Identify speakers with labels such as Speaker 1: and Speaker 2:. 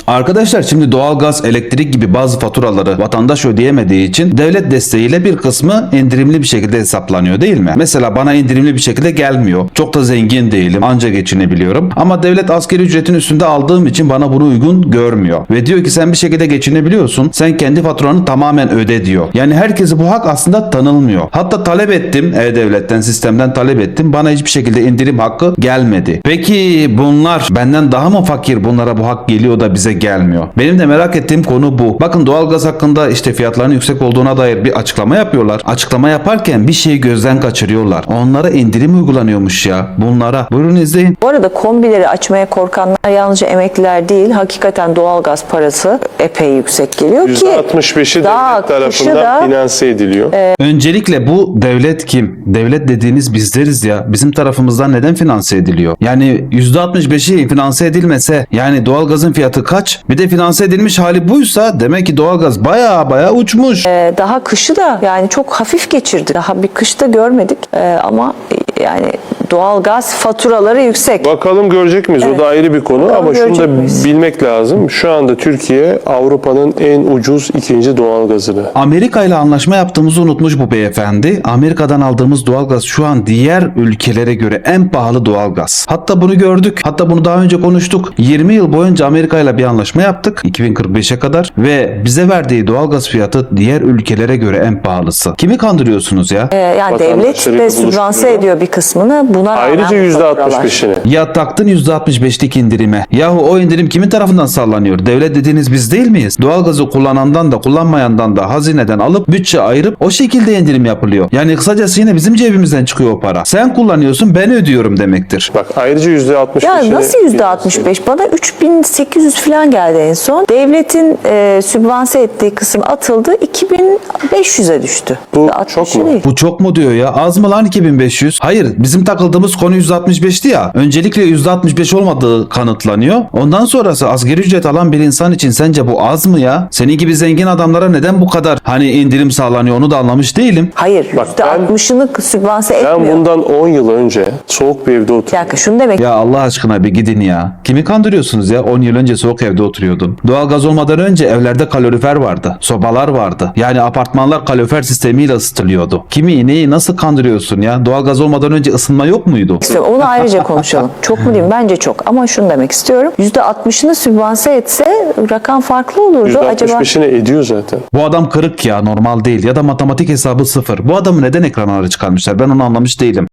Speaker 1: Arkadaşlar şimdi doğalgaz, elektrik gibi bazı faturaları vatandaş ödeyemediği için devlet desteğiyle bir kısmı indirimli bir şekilde hesaplanıyor değil mi? Mesela bana indirimli bir şekilde gelmiyor. Çok da zengin değilim. Anca geçinebiliyorum. Ama devlet asgari ücretin üstünde aldığım için bana bunu uygun görmüyor. Ve diyor ki sen bir şekilde geçinebiliyorsun. Sen kendi faturanı tamamen öde diyor. Yani herkese bu hak aslında tanılmıyor. Hatta talep ettim. E-Devlet'ten, sistemden talep ettim. Bana hiçbir şekilde indirim hakkı gelmedi. Peki bunlar benden daha mı fakir, bunlara bu hak geliyor da bize gelmiyor? Benim de merak ettiğim konu bu. Bakın doğalgaz hakkında işte fiyatların yüksek olduğuna dair bir açıklama yapıyorlar. Açıklama yaparken bir şeyi gözden kaçırıyorlar. Onlara indirim uygulanıyormuş ya. Bunlara. Buyurun izleyin.
Speaker 2: Bu arada kombileri açmaya korkanlar yalnızca emekliler değil, hakikaten doğalgaz parası epey yüksek geliyor ki
Speaker 3: %65'i
Speaker 2: daha
Speaker 3: devlet tarafından finanse ediliyor.
Speaker 1: Öncelikle bu devlet kim? Devlet dediğiniz bizleriz ya. Bizim tarafımızdan neden finanse ediliyor? Yani %65'i finanse edilmese yani doğalgazın fiyatı kaç? Bir de finanse edilmiş hali buysa demek ki doğalgaz baya uçmuş.
Speaker 2: daha kışı da yani çok hafif geçirdi. Daha bir kışta görmedik. Ama yani doğalgaz faturaları yüksek.
Speaker 3: Bakalım görecek miyiz? O da ayrı bir konu ama şunu
Speaker 2: görecek
Speaker 3: da
Speaker 2: miyiz?
Speaker 3: bilmek lazım. Şu anda Türkiye Avrupa'nın en ucuz ikinci doğalgazını.
Speaker 1: Amerika ile anlaşma yaptığımızı unutmuş bu beyefendi. Amerika'dan aldığımız doğalgaz şu an diğer ülkelere göre en pahalı doğalgaz. Hatta bunu gördük. Hatta bunu daha önce konuştuk. 20 yıl boyunca Amerika ile bir anlaşma yaptık. 2045'e kadar ve bize verdiği doğalgaz fiyatı diğer ülkelere göre en pahalısı. Kimi kandırıyorsunuz ya?
Speaker 2: Yani devlet
Speaker 3: Vatandaşları
Speaker 2: de sübvanse
Speaker 3: buluşturuyor.
Speaker 2: ediyor bir kısmını. Buna
Speaker 3: Ayrıca
Speaker 2: rağmen bu faturalar.
Speaker 3: %65'ini.
Speaker 1: Ya taktın %65'lik indirime. Yahu o indirim kimin tarafından sağlanıyor? Devlet dediğiniz biz değil miyiz? Doğalgazı kullanandan da kullanmayandan da hazineden alıp bütçe ayırıp o şekilde indirim yapılıyor. Yani kısacası yine bizim cebimizden çıkıyor o para. Sen kullanıyorsun, ben ödüyorum demektir.
Speaker 3: Bak ayrıca %65'ini.
Speaker 2: Ya nasıl %65? Bana 3800 falan geldi en son. Devletin sübvanse ettiği kısım atıldı. 2500'e düştü.
Speaker 3: Bu
Speaker 2: 60
Speaker 3: çok mu?
Speaker 2: değil.
Speaker 1: Bu çok mu diyor ya? Az mı lan 2500? Hayır, bizim takıldığımız konu %65'ti ya. Öncelikle %65 olmadığı kanıtlanıyor. Ondan sonrası asgari ücret alan bir insan için sence bu az mı ya? Senin gibi zengin adamlara neden bu kadar hani indirim sağlanıyor onu da anlamış değilim.
Speaker 2: Hayır,
Speaker 3: Bak
Speaker 2: %60'ını sübvanse
Speaker 3: Ben
Speaker 2: etmiyor.
Speaker 3: bundan 10 yıl önce soğuk bir evde
Speaker 2: Bir
Speaker 3: oturdum.
Speaker 2: dakika şunu demek.
Speaker 1: Ya Allah aşkına bir gidin ya. Kimi kandırıyorsunuz ya? 10 yıl önce soğuk evde oturuyordun. Doğalgaz olmadan önce evlerde kalorifer vardı. Sobalar vardı. Yani apartmanlar kalorifer sistemiyle ısıtılıyordu. Kimi neyi nasıl kandırıyorsun ya? Doğalgaz olmadan önce ısınma yok muydu?
Speaker 2: Onu ayrıca konuşalım. Çok mu diyeyim? Bence çok. Ama şunu demek istiyorum. %60'ını sübvanse etse rakam farklı olurdu. Acaba
Speaker 3: %65'ini ediyor zaten.
Speaker 1: Bu adam kırık ya, normal değil. Ya da matematik hesabı sıfır. Bu adamı neden ekranlara çıkarmışlar? Ben onu anlamış değilim.